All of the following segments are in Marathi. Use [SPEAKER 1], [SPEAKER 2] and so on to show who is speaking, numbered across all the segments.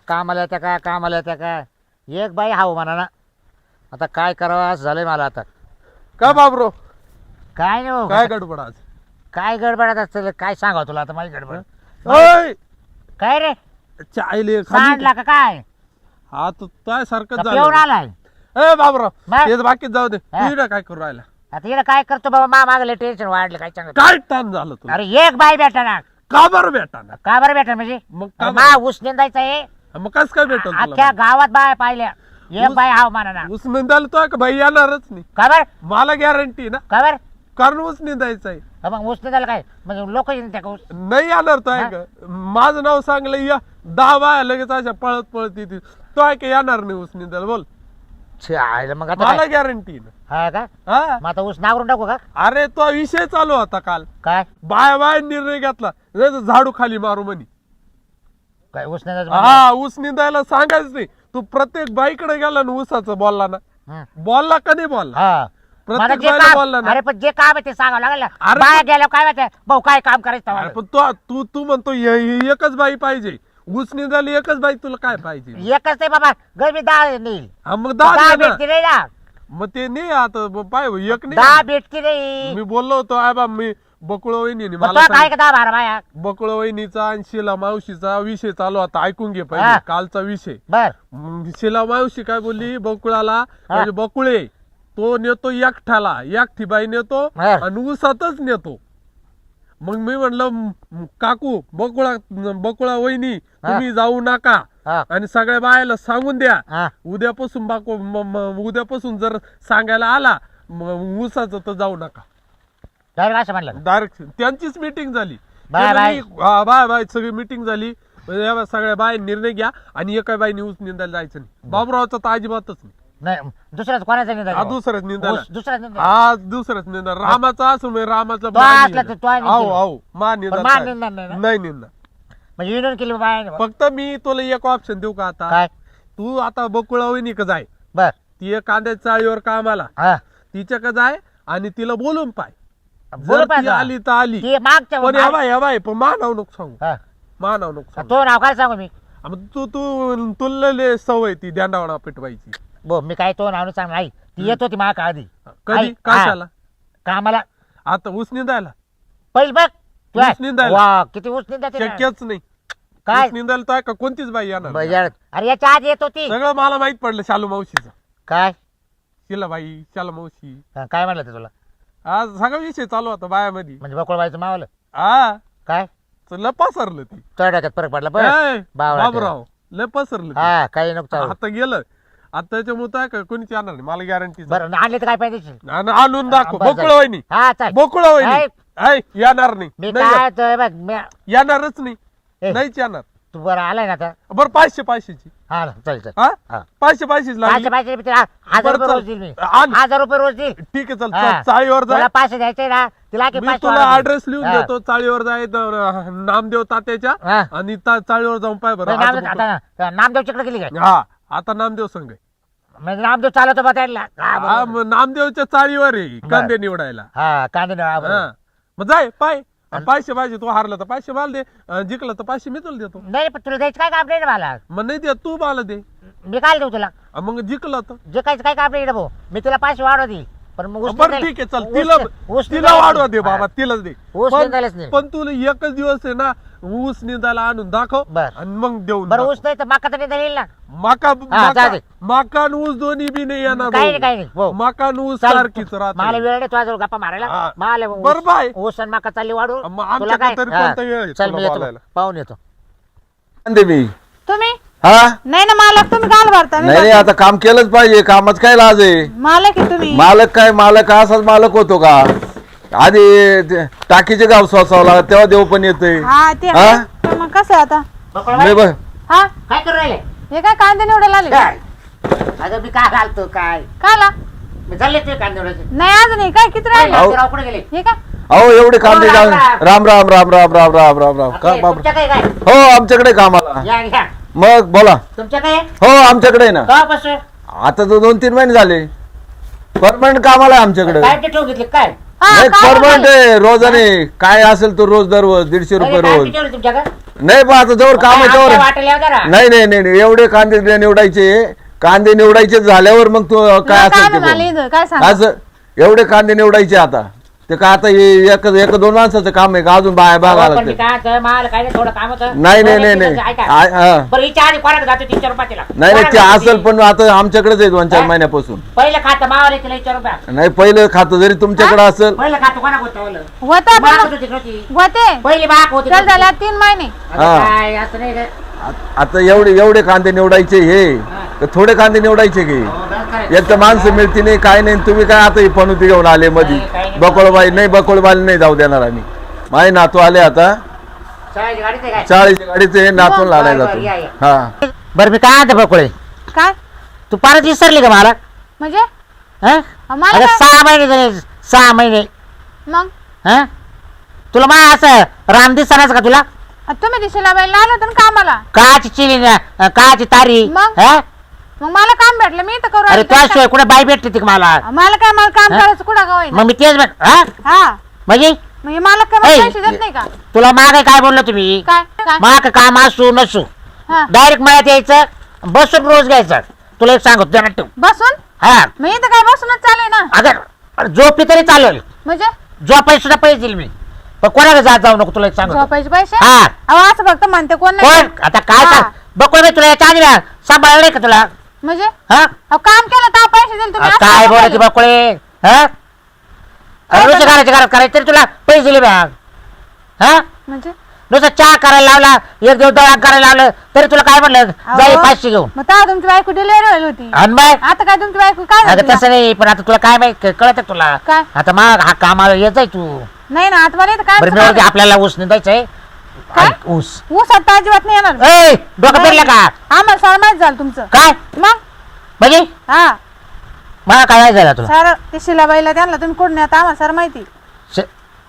[SPEAKER 1] कामाला येत्या का कामाला येत्या का एक बाई हाव म्हणा ना. आता काय करावं असं झालंय मला आता.
[SPEAKER 2] का बाबरो
[SPEAKER 1] काय नाही हो,
[SPEAKER 2] काय गडबड आज?
[SPEAKER 1] काय गडबडत असतं काय सांगावं तुला आता माझी गडबड.
[SPEAKER 2] ओय
[SPEAKER 1] काय रे
[SPEAKER 2] चायले खाली
[SPEAKER 1] सांडला का काय
[SPEAKER 2] हा तू काय सारखंच
[SPEAKER 1] का पिऊन
[SPEAKER 2] झालं.
[SPEAKER 1] आलाय.
[SPEAKER 2] ए बाबराव
[SPEAKER 1] मग?
[SPEAKER 2] हे बाकीच जाऊ दे
[SPEAKER 1] हा?
[SPEAKER 2] तू इकडं काय करू राहिला?
[SPEAKER 1] आता इकडे काय करतो बाबा मागले टेन्शन वाढलं काय सांगत.
[SPEAKER 2] काय ताण झालं तुला?
[SPEAKER 1] अरे एक बाई भेटा ना.
[SPEAKER 2] का बरं भेटा ना?
[SPEAKER 1] का बरं भेटा म्हणजे
[SPEAKER 2] मग
[SPEAKER 1] अरे
[SPEAKER 2] का
[SPEAKER 1] मा ऊस निंदायचा आहे.
[SPEAKER 2] मग कस काय भेटल
[SPEAKER 1] अख्ख्या गावात बाय पाहिल्या एक
[SPEAKER 2] ऊस-
[SPEAKER 1] बाई हाव म्हणा ना.
[SPEAKER 2] ऊस निंदायला तो का भाई येणारच नाही.
[SPEAKER 1] का बर
[SPEAKER 2] मला गॅरंटी ना
[SPEAKER 1] का बर
[SPEAKER 2] कारण ऊस निंदायचं आहे.
[SPEAKER 1] मग ऊस निंदायला काय म्हणजे लोक येतात का ऊस.
[SPEAKER 2] नाही येणार तो आहे का? माझं नाव सांगलं या 10 बाया लगेच अशा पळत पळत येतील. तो आहे का येणार नाही ऊस निंदायला बोल.
[SPEAKER 1] छे, आयला मग आता
[SPEAKER 2] मला
[SPEAKER 1] काय?
[SPEAKER 2] गॅरंटी ना.
[SPEAKER 1] हा का
[SPEAKER 2] हा
[SPEAKER 1] मग आता ऊस नावरून टाकू का
[SPEAKER 2] अरे तो विषय चालू होता काल.
[SPEAKER 1] काय
[SPEAKER 2] बाया बाया निर्णय घेतला नाही तर झाडू खाली मारू म्हणे.
[SPEAKER 1] काय ऊस निंदायचं म्हणजे?
[SPEAKER 2] हा ऊस निंदायला सांगायच नाही. तू प्रत्येक बाईकडे गेला ना ऊसाचं बोलला ना.
[SPEAKER 1] हं.
[SPEAKER 2] बोलला का नाही बोलला?
[SPEAKER 1] हा मला
[SPEAKER 2] प्रत्येक
[SPEAKER 1] जे
[SPEAKER 2] बाईला बोलला
[SPEAKER 1] काम
[SPEAKER 2] ना.
[SPEAKER 1] अरे पण जे काम आहे ते सांगावं लागेल ना.
[SPEAKER 2] अरे
[SPEAKER 1] बाया गेल्यावर काय माहिती भाऊ काय काम करायचं
[SPEAKER 2] अरे
[SPEAKER 1] तेव्हा?
[SPEAKER 2] पण तू तू म्हणतो एकच बाई पाहिजे. ऊस निंदायला एकच बाई तुला काय पाहिजे?
[SPEAKER 1] एकच नाही बाबा गरबी 10 नेईल.
[SPEAKER 2] हा मग
[SPEAKER 1] 10
[SPEAKER 2] दहा दे ना.
[SPEAKER 1] भेटती नाही ना.
[SPEAKER 2] मग ते नाही आता पाय एक
[SPEAKER 1] 10
[SPEAKER 2] नाही.
[SPEAKER 1] भेटती नाही.
[SPEAKER 2] मी बोललो होतो आय बा मी बकुळ वहिनी
[SPEAKER 1] मग
[SPEAKER 2] मला
[SPEAKER 1] तुला काय का 10-12 बाया
[SPEAKER 2] बकुळ वहिनीचा आणि शिला मावशीचा विषय चालू होता. ऐकून घे
[SPEAKER 1] हा.
[SPEAKER 2] पहिले कालचा विषय.
[SPEAKER 1] बर
[SPEAKER 2] मग शिला मावशी काय बोलली बकुळाला म्हणजे बकुळे तो नेतो एकठाला एकठी बाई नेतो
[SPEAKER 1] हा.
[SPEAKER 2] आणि ऊसातच नेतो. मग मी म्हणलं काकू बकुळा वहिनी तुम्ही जाऊ नका
[SPEAKER 1] हा
[SPEAKER 2] आणि सगळ्या बायाला सांगून द्या
[SPEAKER 1] हा
[SPEAKER 2] उद्यापासून उद्यापासून जर सांगायला आला मग ऊसाचं तर जाऊ नका.
[SPEAKER 1] डायरेक्ट असं म्हणलं
[SPEAKER 2] डायरेक्ट त्यांचीच मीटिंग झाली.
[SPEAKER 1] Bye bye.
[SPEAKER 2] बाय बाय सगळी मीटिंग झाली. म्हणजे या सगळ्या बाय निर्णय घ्या आणि एका बाई ऊस निंदायला जायचं नाही. बाबुरावचा तर अजिबातच नाही.
[SPEAKER 1] नाही दुसऱ्याच कोणाचा निंदा
[SPEAKER 2] हा दुसऱ्याच निंदायला
[SPEAKER 1] दुसऱ्याच निंदा
[SPEAKER 2] हा दुसऱ्याच निंदा रामाचा असं म्हणजे रामाचा
[SPEAKER 1] तो असला तर तो आहे निंदा.
[SPEAKER 2] आहो मा
[SPEAKER 1] पण मा निंदा नाही ना.
[SPEAKER 2] नाही निंदा.
[SPEAKER 1] म्हणजे युनियन केली बाया
[SPEAKER 2] फक्त मी तुला एक ऑप्शन देऊ का आता?
[SPEAKER 1] काय
[SPEAKER 2] तू आता बकुळा वहिनी का जाय
[SPEAKER 1] बर
[SPEAKER 2] ती एक कांद्याच्या चाळीवर कामाला
[SPEAKER 1] हा
[SPEAKER 2] तिच्या का जाय आणि तिला बोलून पाय.
[SPEAKER 1] बोल
[SPEAKER 2] जर ती
[SPEAKER 1] पाहिजे.
[SPEAKER 2] आली तर आली
[SPEAKER 1] ती मागच्या
[SPEAKER 2] पण या बाय पण मा नाव नको सांगू.
[SPEAKER 1] हा.
[SPEAKER 2] मा नाव नको सांगू.
[SPEAKER 1] तो नाव काय सांगू मी
[SPEAKER 2] मग तू तू तुला लय सवय ती दांडावडा पेटवायची.
[SPEAKER 1] बो मी काय तो नाव सांग नाही ती येत होती माग आधी
[SPEAKER 2] कधी
[SPEAKER 1] आई,
[SPEAKER 2] कशाला?
[SPEAKER 1] कामाला
[SPEAKER 2] आता ऊस निंदायला
[SPEAKER 1] पहिल बघ तू
[SPEAKER 2] ऊस
[SPEAKER 1] आहे.
[SPEAKER 2] निंदायला?
[SPEAKER 1] वा किती ऊस निंदा
[SPEAKER 2] शक्यच नाही.
[SPEAKER 1] काय
[SPEAKER 2] ऊस निंदायला तर आहे का कोणतीच बाई येणार नाही.
[SPEAKER 1] बजाड. अरे याच्या आधी येत होती
[SPEAKER 2] सगळं मला माहित पडलं शालू मावशीचं.
[SPEAKER 1] काय
[SPEAKER 2] शिला बाई शालू मावशी
[SPEAKER 1] हा, काय म्हणलं ते तुला
[SPEAKER 2] आज सगळा विषय चालू होता बायामध्ये.
[SPEAKER 1] म्हणजे बकोळबाईचं मावलं
[SPEAKER 2] हा
[SPEAKER 1] काय
[SPEAKER 2] लय पसरलं ती.
[SPEAKER 1] तो डोक्यात फरक पडला बरं
[SPEAKER 2] ए,
[SPEAKER 1] बावळा
[SPEAKER 2] बाबराव लय पसरलं ते.
[SPEAKER 1] हा काही नको चालू.
[SPEAKER 2] आता गेलं आता त्याच्यामुळे काय का कोणीच येणार नाही मला गॅरंटी.
[SPEAKER 1] बरं आणले तर काय पाहिजे
[SPEAKER 2] आणून दाखव
[SPEAKER 1] बरं,
[SPEAKER 2] बोकुळा वहिनी
[SPEAKER 1] हा चाल
[SPEAKER 2] बोकुळा वहिनी
[SPEAKER 1] ऐक.
[SPEAKER 2] ऐ, येणार नाही
[SPEAKER 1] मी
[SPEAKER 2] नाही
[SPEAKER 1] काय तो बघ
[SPEAKER 2] येणारच नाही.
[SPEAKER 1] ए.
[SPEAKER 2] नाहीच येणार.
[SPEAKER 1] तू बरं आलाय ना आता
[SPEAKER 2] बरं 500ची
[SPEAKER 1] हा चल चल
[SPEAKER 2] हा
[SPEAKER 1] हा.
[SPEAKER 2] 500ची लागली.
[SPEAKER 1] पाचशे पाचशे मी तिला 1000
[SPEAKER 2] बरं,
[SPEAKER 1] रुपये
[SPEAKER 2] चल.
[SPEAKER 1] रोज देईल मी
[SPEAKER 2] आण.
[SPEAKER 1] 1000 रुपये रोज देईल.
[SPEAKER 2] ठीक आहे चल
[SPEAKER 1] हा.
[SPEAKER 2] चाळीवर
[SPEAKER 1] तुला
[SPEAKER 2] जाय.
[SPEAKER 1] 500 द्यायचे ना तिला की
[SPEAKER 2] मी
[SPEAKER 1] 500
[SPEAKER 2] तुला
[SPEAKER 1] वाढवून
[SPEAKER 2] ऍड्रेस लिहून
[SPEAKER 1] हा.
[SPEAKER 2] देतो चाळीवर जाय नामदेव तात्याच्या
[SPEAKER 1] हा.
[SPEAKER 2] आणि चाळीवर जाऊन पाय बरं
[SPEAKER 1] नाही,
[SPEAKER 2] आज
[SPEAKER 1] नामदेव
[SPEAKER 2] बघू.
[SPEAKER 1] आता नामदेवच्याकडे गेली काय
[SPEAKER 2] हा आता नामदेव संघ आहे.
[SPEAKER 1] म्हणजे नामदेव चालवतो बा त्याला हा,
[SPEAKER 2] हा,
[SPEAKER 1] बरोबर.
[SPEAKER 2] मग नामदेवच्या चाळीवर आहे कांदे निवडायला.
[SPEAKER 1] हा कांदे नाही, हा, बरोबर.
[SPEAKER 2] हा. मग जाय पाय 500 पाहिजे. तू हारला तर 500 मला दे जिंकला तर 500 मी तुला देतो.
[SPEAKER 1] नाही पण तुला द्यायचं काय काम नाही ना मला
[SPEAKER 2] मग नाही दे तू मला दे.
[SPEAKER 1] मी काय देऊ तुला
[SPEAKER 2] मग जिंकला तर
[SPEAKER 1] जे काहीच काय काम नाही ना भाऊ मी तुला 500 वाढव देईल पण मग ऊस
[SPEAKER 2] बरं
[SPEAKER 1] निंदायला-
[SPEAKER 2] ठीक आहे चल
[SPEAKER 1] ऊस-
[SPEAKER 2] तिला
[SPEAKER 1] ऊस
[SPEAKER 2] तिला
[SPEAKER 1] निंदायला-
[SPEAKER 2] वाढवा दे बाबा
[SPEAKER 1] हा.
[SPEAKER 2] तिलाच दे.
[SPEAKER 1] ऊस निंदायलाच नाही.
[SPEAKER 2] पण तुला एकच दिवस आहे ना ऊस निंदायला आणून दाखव
[SPEAKER 1] बरं.
[SPEAKER 2] आणि मग देऊन
[SPEAKER 1] बरं
[SPEAKER 2] टाकू.
[SPEAKER 1] ऊस नाही तर माका तर निंदा येईल ना
[SPEAKER 2] माका
[SPEAKER 1] जा दे.
[SPEAKER 2] माका आणि ऊस दोन्ही बी नाही येणार
[SPEAKER 1] काही नाही
[SPEAKER 2] भाऊ.
[SPEAKER 1] काही नाही भाऊ.
[SPEAKER 2] माका आणि ऊस
[SPEAKER 1] चाल,
[SPEAKER 2] सारखीच
[SPEAKER 1] मला
[SPEAKER 2] राहते.
[SPEAKER 1] वेळ नाही तुझ्याजवळ गप्पा मारायला
[SPEAKER 2] हा.
[SPEAKER 1] मला
[SPEAKER 2] बरं बाय.
[SPEAKER 1] ऊस आणि माका चालली वाढू
[SPEAKER 2] मग
[SPEAKER 1] तुला
[SPEAKER 2] आमच्याकडे
[SPEAKER 1] काय
[SPEAKER 2] तरी
[SPEAKER 1] हा.
[SPEAKER 2] कोणता वेळ आहे
[SPEAKER 1] चल
[SPEAKER 2] तुला
[SPEAKER 1] मी येतो
[SPEAKER 2] बोलायला?
[SPEAKER 1] पाहून येतो
[SPEAKER 3] दे मी
[SPEAKER 4] तुम्ही
[SPEAKER 3] हा
[SPEAKER 4] नाही ना मालक तुम्ही काल भरता मी
[SPEAKER 3] नाही नाही, आता काम केलंच पाहिजे. कामाच काय लाज आहे?
[SPEAKER 4] मालक आहे तुम्ही
[SPEAKER 3] मालक काय मालक असाच मालक होतो का? आधी ते टाकीचे गाव सोसावला तेव्हा देव पण येते.
[SPEAKER 4] हा ते
[SPEAKER 3] हा?
[SPEAKER 4] आहे. तर मग कसं आहे आता
[SPEAKER 1] बकुळबाई,
[SPEAKER 4] हा
[SPEAKER 1] काय करू राहिले
[SPEAKER 4] हे काय कांदे निवडायला आले
[SPEAKER 1] काय अगं मी काय घालतो काय
[SPEAKER 4] काला
[SPEAKER 1] मी चालले ते कांदे निवडायचे.
[SPEAKER 4] नाही अजून हे काय किती राहिले
[SPEAKER 3] अहो.
[SPEAKER 1] राव कुठे गेले
[SPEAKER 4] हे काय
[SPEAKER 3] अहो एवढे कांदे
[SPEAKER 1] राम,
[SPEAKER 3] जाऊन
[SPEAKER 1] राम.
[SPEAKER 3] राम राम राम राम राम राम राम राम का
[SPEAKER 1] आपले
[SPEAKER 3] बाप
[SPEAKER 1] तुमच्या काय काय
[SPEAKER 3] हो आमच्याकडे कामाला.
[SPEAKER 1] या घ्या
[SPEAKER 3] मग बोला.
[SPEAKER 1] तुमच्या काय
[SPEAKER 3] हो आमच्याकडे ना
[SPEAKER 1] कवापासून
[SPEAKER 3] आता तर 2-3 महिने झाले परमनंट कामाला आहे आमच्याकडे.
[SPEAKER 1] काय ते ठेवून घेतले काय
[SPEAKER 3] नाही
[SPEAKER 4] काय
[SPEAKER 3] परमनंट
[SPEAKER 4] झालं?
[SPEAKER 3] आहे रोजाने काय असेल तो रोज दररोज 150 रुपये रोज
[SPEAKER 1] तुमच्याकडे
[SPEAKER 3] नाही बा आता जवळ काम आहे त्यावर
[SPEAKER 1] वाटेल जरा
[SPEAKER 3] नाही नाही नाही नाही, एवढे कांदे निवडायचे कांदे निवडायचे झाल्यावर मग तू काय
[SPEAKER 4] काय
[SPEAKER 3] असेल ते
[SPEAKER 4] मला
[SPEAKER 3] बोल.
[SPEAKER 4] इथं काय सांग
[SPEAKER 3] असं एवढे कांदे निवडायचे आता ते काय आता हे एक दोन माणसाचं काम आहे का अजून बागा
[SPEAKER 1] पण मी
[SPEAKER 3] लागते
[SPEAKER 1] काय होतं, मला काय नाही, थोडं काम होतं.
[SPEAKER 3] नाही नाही
[SPEAKER 1] बरं,
[SPEAKER 3] नाही
[SPEAKER 1] एक
[SPEAKER 3] नाही
[SPEAKER 1] दिवस ऐका.
[SPEAKER 3] हा.
[SPEAKER 1] बरं हिच्या आधी कोणाकडे जातो 300 रुपये तिला
[SPEAKER 3] नाही नाही ते
[SPEAKER 1] कोणाकडे
[SPEAKER 3] असेल
[SPEAKER 1] जाते?
[SPEAKER 3] पण आता आमच्याकडेच आहे 2-4
[SPEAKER 1] हा?
[SPEAKER 3] महिन्यापासून
[SPEAKER 1] पहिलं खातं मावाला तिला 100 रुपया
[SPEAKER 3] नाही पहिलं खातं जरी तुमच्याकडे असेल
[SPEAKER 1] पहिलं खातं कोणा होतं
[SPEAKER 4] होता
[SPEAKER 1] बाक
[SPEAKER 4] पण
[SPEAKER 1] होती नव्हती.
[SPEAKER 4] होते
[SPEAKER 1] पहिली बाक होती
[SPEAKER 4] चल
[SPEAKER 1] नव्हती.
[SPEAKER 4] झाला 3 महिने
[SPEAKER 1] आता
[SPEAKER 3] हा.
[SPEAKER 1] काय असं नाही रे.
[SPEAKER 3] आता एवढे कांदे निवडायचे हे तर थोडे कांदे निवडायचे की
[SPEAKER 1] हो, बरं करायचं.
[SPEAKER 3] एक तर माणसं मिळती नाही काय नाही तुम्ही काय आता ही फणुती घेऊन आले मधी
[SPEAKER 1] नाही, काही नाही.
[SPEAKER 3] बकोळबाई नाही बकोळबाई नाही जाऊ देणार आम्ही माझे नातू आले आता
[SPEAKER 1] शाळेची गाडीत आहे काय?
[SPEAKER 3] 40 गाडीचे नातून लालाय
[SPEAKER 1] बरं,
[SPEAKER 3] जातो
[SPEAKER 1] या, या.
[SPEAKER 3] हा
[SPEAKER 1] बरं मी काय आणतो बकुळे
[SPEAKER 4] काय
[SPEAKER 1] तू परत विसरली का मला
[SPEAKER 4] म्हणजे
[SPEAKER 1] हं?
[SPEAKER 4] मला
[SPEAKER 1] अरे
[SPEAKER 4] काय?
[SPEAKER 1] 6 महिने झाले 6 महिने
[SPEAKER 4] मग
[SPEAKER 1] हं? तुला मा असं राम दिसणारच का तुला
[SPEAKER 4] तुम्ही दिशेला बाईला आलो होतं ना कामाला
[SPEAKER 1] काची चिली काची तारी
[SPEAKER 4] मग?
[SPEAKER 1] हं?
[SPEAKER 4] मग मला काम भेटलं मी तर करू
[SPEAKER 1] अरे
[SPEAKER 4] आली तर
[SPEAKER 1] त्याशिवाय कुठे बाई भेटते ती का मला
[SPEAKER 4] काय? मला काय मला काम
[SPEAKER 1] हा?
[SPEAKER 4] करायचं कुठं गाव
[SPEAKER 1] मग मी तेच हं?
[SPEAKER 4] हा
[SPEAKER 1] म्हणजे
[SPEAKER 4] म्हणजे मला काय मला
[SPEAKER 1] ऐ,
[SPEAKER 4] पैसे देत नाही का
[SPEAKER 1] तुला मागे काय बोललो तुम्ही
[SPEAKER 4] काय काय
[SPEAKER 1] माग काम असू नसू
[SPEAKER 4] हा
[SPEAKER 1] डायरेक्ट मळ्यात यायचं बसून रोज घ्यायचं तुला एक सांगतो ध्यानात ठेव
[SPEAKER 4] बसून
[SPEAKER 1] हा
[SPEAKER 4] मी इथं काय बसूनच चालू ना
[SPEAKER 1] अगर झोपली तरी चालेल
[SPEAKER 4] म्हणजे
[SPEAKER 1] झोपायला सुद्धा पैसे देईल मी पण कोणाला जात जाऊ नको तुला एक सांगतो
[SPEAKER 4] झोपायचे पैसे
[SPEAKER 1] हा
[SPEAKER 4] अहो असं फक्त म्हणते कोण नाही
[SPEAKER 1] कोण आता काय
[SPEAKER 4] हा.
[SPEAKER 1] सांग बघ तुला याच्या आधी ना सांभाळलं नाही का तुला
[SPEAKER 4] म्हणजे
[SPEAKER 1] हा
[SPEAKER 4] अहो काम केलं तर पैसे दिले तुम्ही असं
[SPEAKER 1] काय
[SPEAKER 4] नका
[SPEAKER 1] बोलायची
[SPEAKER 4] बोलू.
[SPEAKER 1] बकुळे हा नुसतं करायचं घरात करायचं तरी तुला पैसे दिले बॅग हा
[SPEAKER 4] म्हणजे
[SPEAKER 1] नुसतं चहा करायला लावला एक दिवस दळा करायला लावलं तरी तुला काय म्हणलं जाईल
[SPEAKER 4] अहो,
[SPEAKER 1] 500 घेऊन
[SPEAKER 4] मग तेव्हा तुमची बायको डिलिव्हरी होईल होती
[SPEAKER 1] आणि मग
[SPEAKER 4] आता काय तुमची बायको काय
[SPEAKER 1] अगं
[SPEAKER 4] झाली?
[SPEAKER 1] तसं नाही पण आता तुला काय माहित कळत तुला
[SPEAKER 4] काय?
[SPEAKER 1] आता मग हा कामाला येत आहे तू
[SPEAKER 4] नाही ना आता मला इथं काय
[SPEAKER 1] बरं मी म्हणते आपल्याला ऊस निंदायचंय
[SPEAKER 4] काय?
[SPEAKER 1] ऊस
[SPEAKER 4] ऊस आता अजिबात नाही येणार
[SPEAKER 1] ए डोकं फिरलं का
[SPEAKER 4] आम्हाला सारं माहित झालं तुमचं
[SPEAKER 1] काय
[SPEAKER 4] मग
[SPEAKER 1] म्हणजे
[SPEAKER 4] हा
[SPEAKER 1] मला काय नाही झालं तुला
[SPEAKER 4] सारं ते शिलाबाईला त्यांना तुम्ही कुठून आता आम्हाला सारं माहिती
[SPEAKER 1] श-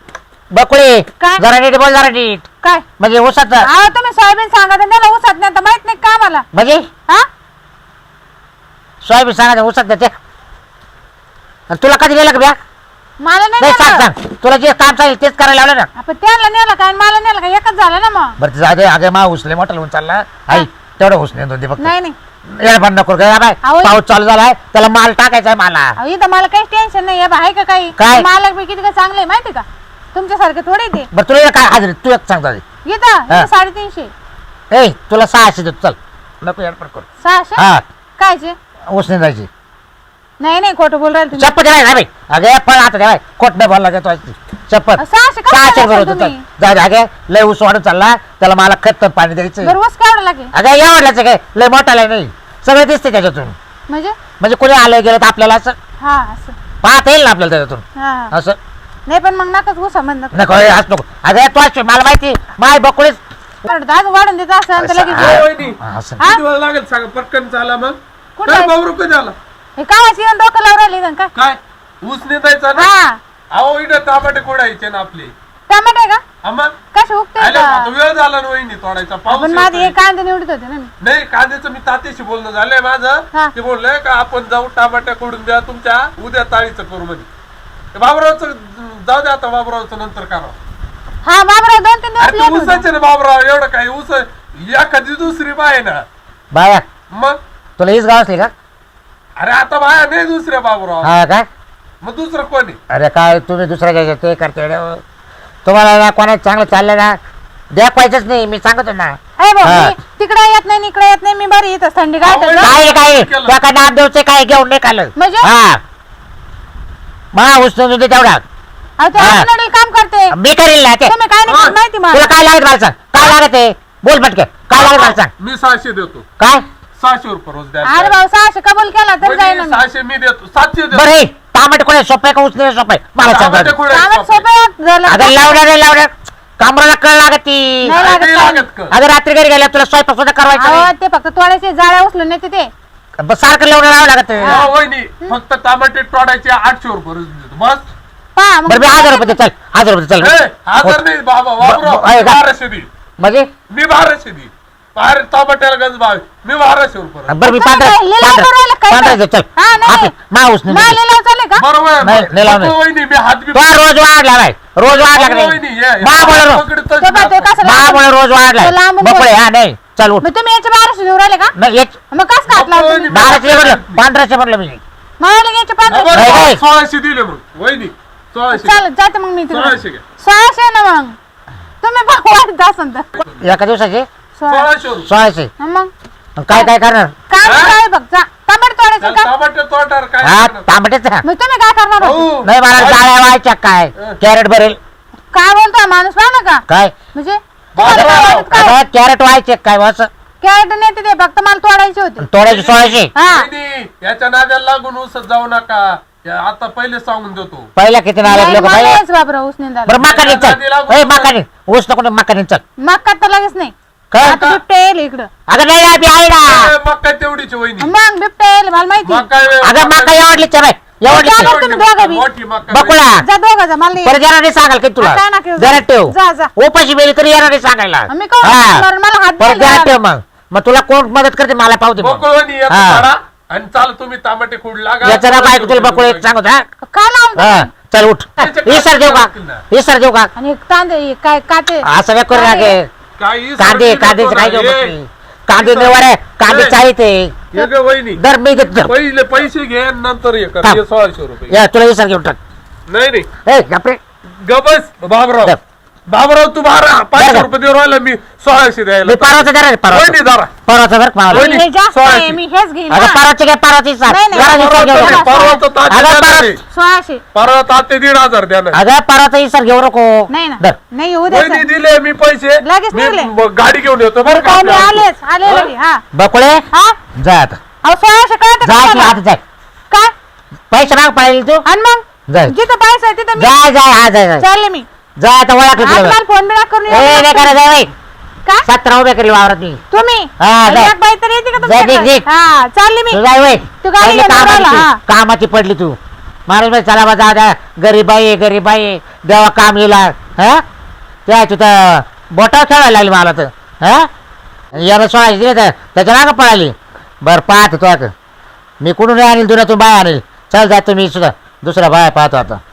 [SPEAKER 1] बकुळे
[SPEAKER 4] काय?
[SPEAKER 1] जरा नीट बोल जरा नीट
[SPEAKER 4] काय
[SPEAKER 1] म्हणजे ऊसाचं
[SPEAKER 4] अहो तुम्ही सोयाबीन सांगा तर त्याला ऊसात नाही आता माहित नाही का आम्हाला
[SPEAKER 1] म्हणजे
[SPEAKER 4] हा
[SPEAKER 1] सोयाबीन सांगा ऊसात देते आणि तुला कधी गेलं का ब्या
[SPEAKER 4] मला नाही
[SPEAKER 1] नाही सांग
[SPEAKER 4] नेलं.
[SPEAKER 1] सांग तुला जे काम चालेल तेच करायला लावलं ना
[SPEAKER 4] आपण त्यांना नेलं काय आणि मला नेलं का एकच झालं ना मग
[SPEAKER 1] बरं जाऊ दे अगे मा उसले मोठा लावून चालला आई तेवढं ऊस नेंदून दे फक्त
[SPEAKER 4] नाही नाही
[SPEAKER 1] याला पण नको काय बाय
[SPEAKER 4] अहो,
[SPEAKER 1] पाऊस चालू झालाय त्याला माल टाकायचा आहे मला
[SPEAKER 4] अहो, इथं मला काही टेन्शन नाही आहे का काही
[SPEAKER 1] काय?
[SPEAKER 4] मालक बी किती का चांगले माहिती का तुमच्यासारखे थोडे ते
[SPEAKER 1] बरं तुला काय हाजरी तू एक सांगता
[SPEAKER 4] इथं
[SPEAKER 1] हा.
[SPEAKER 4] 350
[SPEAKER 1] ए तुला 600 देतो चल नको एअरपोर्ट करू
[SPEAKER 4] 600
[SPEAKER 1] हा
[SPEAKER 4] कायचे
[SPEAKER 1] ऊस नेंदायची
[SPEAKER 4] नाही नाही खोटं बोल राहिले तुम्ही
[SPEAKER 1] चप्पल नाही ना बाई अगे पण आता द्या कोट नाही बोलला देतो चप्पल
[SPEAKER 4] 600 का
[SPEAKER 1] 600
[SPEAKER 4] बोलला
[SPEAKER 1] बरोबर
[SPEAKER 4] तुम्ही?
[SPEAKER 1] जाऊ दे अगे लय ऊस वाढून चालला त्याला मला खत पाणी द्यायचं
[SPEAKER 4] बरं ऊस केवढा लागेल
[SPEAKER 1] अगं या वाढल्याचं काय लय मोठा लय नाही सगळं दिसते त्याच्यातून
[SPEAKER 4] म्हणजे
[SPEAKER 1] म्हणजे कोणी आलं गेलं तर आपल्याला असं
[SPEAKER 4] हा असं
[SPEAKER 1] पाहता येईल ना आपल्याला त्याच्यातून
[SPEAKER 4] हा हा.
[SPEAKER 1] असं
[SPEAKER 4] नाही पण मग नकाच ऊसा म्हणत
[SPEAKER 1] नको हे असं नको अगं तू असं मला माहिती माय बकुळीच
[SPEAKER 4] आज वाढून देत असं तर लगेच
[SPEAKER 1] हा.
[SPEAKER 2] वहिनी
[SPEAKER 1] असं
[SPEAKER 4] हा?
[SPEAKER 2] किती वेळ लागेल सांगा पटकन चाला मग
[SPEAKER 4] कुठं
[SPEAKER 2] काय
[SPEAKER 4] आहे?
[SPEAKER 2] बाबरू कधी आला
[SPEAKER 4] हे कामाची येऊन डोकं लावून राहिले इथं काय
[SPEAKER 2] काय ऊस नेतायचा ना
[SPEAKER 4] हा
[SPEAKER 2] अहो इकडे तांबाटे कोडायचे ना आपले
[SPEAKER 4] टमाटे का
[SPEAKER 2] आम्हा
[SPEAKER 4] कसे उगते
[SPEAKER 2] आले आता वेळ झाला ना वहिनी तोडायचा पाऊस
[SPEAKER 4] आपण माझे
[SPEAKER 2] येतोय.
[SPEAKER 4] एक कांदे निवडत होते ना मी
[SPEAKER 2] नाही कांद्याचं मी तात्याशी बोलणं झालंय
[SPEAKER 4] हा.
[SPEAKER 2] माझं ते बोललंय का आपण जाऊ टमाट्या कोडून द्या तुमच्या उद्या ताळीचं करू म्हणजे बाबरावचं जाऊ द्या आता बाबरावचं नंतर करा
[SPEAKER 4] हा बाबराव 2-3 दिवस
[SPEAKER 2] अरे
[SPEAKER 4] लेट
[SPEAKER 2] तू
[SPEAKER 4] होते.
[SPEAKER 2] उसाचे ना बाबराव एवढं काय ऊस एखादी दुसरी बाय ना
[SPEAKER 1] बाया
[SPEAKER 2] मग
[SPEAKER 1] तुला हीच गाव असली का
[SPEAKER 2] अरे आता बाया नाही दुसऱ्या बाबराव
[SPEAKER 1] हा काय
[SPEAKER 2] मग दुसरं कोणी
[SPEAKER 1] अरे काय तुम्ही दुसऱ्या घ्यायचं ते करते रे. तुम्हाला ना कोणाचं चांगलं चाललं ना द्यायचंच नाही मी सांगतो ना
[SPEAKER 4] अरे भाऊ
[SPEAKER 1] हा.
[SPEAKER 4] मी तिकडे येत नाही इकडे येत नाही मी बरी येत थंडी
[SPEAKER 2] अहो,
[SPEAKER 4] गाठत
[SPEAKER 1] काय काय
[SPEAKER 2] केलं.
[SPEAKER 1] तुला नाम देऊचे काय घेऊन नाही खाल्लं
[SPEAKER 4] म्हणजे?
[SPEAKER 1] हा मा उचलून होते तेवढा
[SPEAKER 4] अहो ते
[SPEAKER 1] हा.
[SPEAKER 4] आपल्याकडे काम करते
[SPEAKER 1] मी करील ना ते
[SPEAKER 4] तुम्ही काय नाही करत माहिती
[SPEAKER 1] तुला
[SPEAKER 4] मला
[SPEAKER 1] काय लागत मला सांग काय लागत आहे बोल पटके काय लागत मला सांग
[SPEAKER 2] मी 600 देतो
[SPEAKER 1] काय
[SPEAKER 2] 600 रुपये रोज द्या
[SPEAKER 4] अरे भाऊ 600 कबूल केला तर जाईल
[SPEAKER 2] वहिनी,
[SPEAKER 4] ना
[SPEAKER 2] 600 मी देतो 700 देतो
[SPEAKER 1] बरं हे तांबट कोणी सोपं का उचले सोपं आहे? मला सांग
[SPEAKER 2] टमाटे
[SPEAKER 1] बरं.
[SPEAKER 2] कुठे आहेत
[SPEAKER 4] कामात
[SPEAKER 2] सोपे?
[SPEAKER 4] सोपं झालं
[SPEAKER 1] अगं लावणार कामराला कळ लागत ती
[SPEAKER 4] नाही लागत
[SPEAKER 2] नाही
[SPEAKER 4] काय.
[SPEAKER 2] लागत का?
[SPEAKER 1] अगं रात्री घरी गेल्या तुला स्वयंपाक सुद्धा करायचा
[SPEAKER 4] अहो
[SPEAKER 1] नाही.
[SPEAKER 4] ते फक्त तोडायचे जाळ्या उचलून नेते ते
[SPEAKER 1] बस सारखं लावणार लावावं लागत
[SPEAKER 2] हो, वहिनी फक्त टमाटे तोडायचे 800 रुपये रोज देतो बस
[SPEAKER 4] पहा
[SPEAKER 1] बरं मी 1000 रुपये दे, चल 1000 रुपये चल
[SPEAKER 2] ए, 1000 नाही बाबा
[SPEAKER 1] आहे का?
[SPEAKER 2] 1200 दे
[SPEAKER 1] म्हणजे
[SPEAKER 2] मी 1200 दे अरे टमाट्याला गंज भाव आहे. मी 1200 रुपये
[SPEAKER 1] बरं मी
[SPEAKER 4] तुम्ही काय लिलाव करायला काय?
[SPEAKER 1] 15 चल
[SPEAKER 4] हा, नाही.
[SPEAKER 1] माऊस
[SPEAKER 4] मला लिलाव चालले का?
[SPEAKER 2] बरोबर आहे.
[SPEAKER 1] नाही, नाही लावणार.
[SPEAKER 2] नको वहिनी, मी हात बी
[SPEAKER 1] तो रोज वाढला नाही रोज वाढला का
[SPEAKER 2] नको वहिनी,
[SPEAKER 1] नाही
[SPEAKER 2] हे-
[SPEAKER 1] महाबळ
[SPEAKER 2] पकडतच
[SPEAKER 4] तो काय, तो
[SPEAKER 2] नाही.
[SPEAKER 4] कसं लावतो?
[SPEAKER 1] महाबळ रोज वाढलाय
[SPEAKER 4] तो लांबून
[SPEAKER 1] बकुळे
[SPEAKER 4] बोल.
[SPEAKER 1] हा नाही चल उठ
[SPEAKER 4] मग तुम्ही याचे 1200 देऊ राहिले का?
[SPEAKER 1] नाही एक
[SPEAKER 4] मग कसं घातला
[SPEAKER 2] नको
[SPEAKER 4] तुम्ही?
[SPEAKER 2] वहिनी.
[SPEAKER 1] 1200 म्हटलं 1500 म्हटलं मी
[SPEAKER 4] मला घ्यायचे
[SPEAKER 2] हा,
[SPEAKER 4] 500.
[SPEAKER 2] बरं,
[SPEAKER 1] नाही, नाही.
[SPEAKER 2] 1600 दिले मग वहिनी 1600
[SPEAKER 4] चालेल जाते मग मी तिकडे
[SPEAKER 2] 1600 घ्या
[SPEAKER 4] 1600 ना मग तुम्ही वाढत असन तर
[SPEAKER 1] एका दिवसाचे
[SPEAKER 2] 1600 रुपये
[SPEAKER 1] 1600
[SPEAKER 4] मग
[SPEAKER 1] काय काय करणार
[SPEAKER 4] काम
[SPEAKER 2] हा?
[SPEAKER 4] काय बघ जा टमाटर तोडायचं
[SPEAKER 2] त्याला
[SPEAKER 4] का?
[SPEAKER 2] टमाटे तोटार काय
[SPEAKER 1] हा
[SPEAKER 2] करणार?
[SPEAKER 1] तांबटेच
[SPEAKER 4] मग तुम्ही काय करणार होते?
[SPEAKER 2] भाऊ,
[SPEAKER 1] नाही मला जाळ्या व्हायच्या काय कॅरेट भरेल
[SPEAKER 4] काय बोलतोय माणूस पाहा ना का
[SPEAKER 1] काय
[SPEAKER 4] म्हणजे तुम्हाला काय वाटत काय?
[SPEAKER 1] आता कॅरेट व्हायचे काय असं
[SPEAKER 4] कॅरेट नेते ते फक्त मला तोडायचे होते
[SPEAKER 1] तोडायचे 1600
[SPEAKER 4] हा
[SPEAKER 2] वहिनी, याच्या नाद्याला लागून उसत जाऊ नका या आता पहिले सांगून देतो
[SPEAKER 1] पहिला किती नाव
[SPEAKER 4] नाही,
[SPEAKER 1] लोक
[SPEAKER 4] मला
[SPEAKER 1] पहिले
[SPEAKER 4] यायचं बाबरा ऊस निंदायला.
[SPEAKER 1] बरं मकानी चल ए मकानी ऊस नको मकानी चल
[SPEAKER 4] मक्का तर लगेच नाही
[SPEAKER 1] काय
[SPEAKER 4] आता बिबट्या येईल इकडं
[SPEAKER 1] अगं नाही ना, बी आहे ना
[SPEAKER 2] मग काय तेवढीची वहिनी
[SPEAKER 4] मग बिबट्या येईल मला माहिती
[SPEAKER 2] मग काय
[SPEAKER 1] अगं मका एवढली चल एवढली
[SPEAKER 4] जा बरं तुम्ही दोघं बी.
[SPEAKER 2] मोठी मका
[SPEAKER 1] बकुळा
[SPEAKER 4] जा दोघं जा मला नाही
[SPEAKER 1] परत येणार नाही सांगाल काही तुला
[SPEAKER 4] काय नका येऊ.
[SPEAKER 1] जरा ठेव
[SPEAKER 4] जा, जा.
[SPEAKER 1] उपाशी बेली तरी येणार नाही सांगायला
[SPEAKER 4] मी कोण
[SPEAKER 1] हा.
[SPEAKER 4] करणार? मला हात
[SPEAKER 1] परत
[SPEAKER 4] द्यायला
[SPEAKER 1] जरा ठेव
[SPEAKER 4] लावा.
[SPEAKER 1] मग तुला कोण मदत करते मला पावते मग.
[SPEAKER 2] बकुळवणी येतो
[SPEAKER 1] हा.
[SPEAKER 2] काढा आणि चाल तुम्ही टमाटे खूड लागा
[SPEAKER 1] याचं ना काय तुला बकुळे एक सांगत हा
[SPEAKER 4] काय लावून
[SPEAKER 1] हा, चल उठ इसर देऊ का इसर देऊ का
[SPEAKER 4] आणि एक तांदे हे काय काटे
[SPEAKER 1] असं काय करू लागे
[SPEAKER 2] काही
[SPEAKER 1] कांदे कांद्याचे काय घेऊ बघ मी. कांदे निवार आहे कांदे
[SPEAKER 2] ए.
[SPEAKER 1] चाळीते
[SPEAKER 2] वहिनी
[SPEAKER 1] दर मी देतो
[SPEAKER 2] पहिले पैसे घे आणि नंतर हे कर
[SPEAKER 1] थांब.
[SPEAKER 2] हे 1600 रुपये
[SPEAKER 1] या तुला इसर घेऊन टाक
[SPEAKER 2] नाही नाही
[SPEAKER 1] ए बापरे
[SPEAKER 2] गबस बाबराव
[SPEAKER 1] दर.
[SPEAKER 2] बाबराव तू 500
[SPEAKER 1] दर.
[SPEAKER 2] रुपये देऊन राहिला मी 1600 द्यायला
[SPEAKER 1] मी परवाचा जरा
[SPEAKER 2] वहिनी
[SPEAKER 1] परवाचा
[SPEAKER 2] जरा
[SPEAKER 1] परवाचा बरं मला
[SPEAKER 2] वहिनी,
[SPEAKER 4] हे जास्त
[SPEAKER 2] 1600.
[SPEAKER 4] आहे, मी हेच घेईन
[SPEAKER 1] अगं
[SPEAKER 4] ना.
[SPEAKER 1] परवाचे काय परवाची इसर
[SPEAKER 4] नाही, नाही,
[SPEAKER 1] जरा इसर घेऊ
[SPEAKER 4] परवाचं
[SPEAKER 1] नको.
[SPEAKER 2] परवा तर ताते
[SPEAKER 1] अगं,
[SPEAKER 2] देणार आहे.
[SPEAKER 4] 1600
[SPEAKER 2] परवा ताते 1500 द्या ना
[SPEAKER 1] अगं परवाचा इसर घेऊ नको
[SPEAKER 4] नाही ना
[SPEAKER 1] दर.
[SPEAKER 4] नाही येऊ द्या
[SPEAKER 2] वहिनी दिले मी पैसे
[SPEAKER 4] लगेच
[SPEAKER 2] मी
[SPEAKER 4] निघले.
[SPEAKER 2] मग गाडी घेऊन येतो बरं का
[SPEAKER 4] काय मी
[SPEAKER 2] आपल्या
[SPEAKER 4] आलेच आले लगे, हा
[SPEAKER 1] बकुळे
[SPEAKER 4] हा
[SPEAKER 1] जा आता
[SPEAKER 4] अहो 1600 कळतं का
[SPEAKER 1] जा तू
[SPEAKER 4] तुम्हाला?
[SPEAKER 1] आता जाय
[SPEAKER 4] काय
[SPEAKER 1] पैसे माग पळाली तू
[SPEAKER 4] आणि मग
[SPEAKER 1] जाय
[SPEAKER 4] जिथं पैसा आहे तिथं मी
[SPEAKER 1] जाय जाय हा जाय जाय
[SPEAKER 4] चालले मी
[SPEAKER 1] जा आता ओळखलं
[SPEAKER 4] आज
[SPEAKER 1] तुला
[SPEAKER 4] मला फोन बिळा करून
[SPEAKER 1] ए नाही
[SPEAKER 4] येऊ
[SPEAKER 1] करा
[SPEAKER 4] नका.
[SPEAKER 1] जाय बाई
[SPEAKER 4] काय
[SPEAKER 1] 17 उभे केली वावरात मी
[SPEAKER 4] तुम्ही
[SPEAKER 1] हा, जा.
[SPEAKER 4] एक बाई तर येते का
[SPEAKER 1] जा, निघ,
[SPEAKER 4] तुमच्याकडे?
[SPEAKER 1] निघ.
[SPEAKER 4] हा चालली मी
[SPEAKER 1] तू जाय वय
[SPEAKER 4] तू गाडी
[SPEAKER 1] पहिले
[SPEAKER 4] घेऊन
[SPEAKER 1] कामाची
[SPEAKER 4] राहिला, हा.
[SPEAKER 1] तू. कामाची पडली तू माणूस बाई चला बा जा द्या गरीबाई आहे गरीबाई आहे देवा काम येईल हा त्या तू तर बोटावर खेळायला लागली मला तर हा याला सोळाशे दिले तर त्याच्या मागं पळाली बरं पाहतो तो आता मी कुठून आणील तुला तू बाय आणील चल जा तुम्ही सुद्धा दुसरा बाय पाहतो आता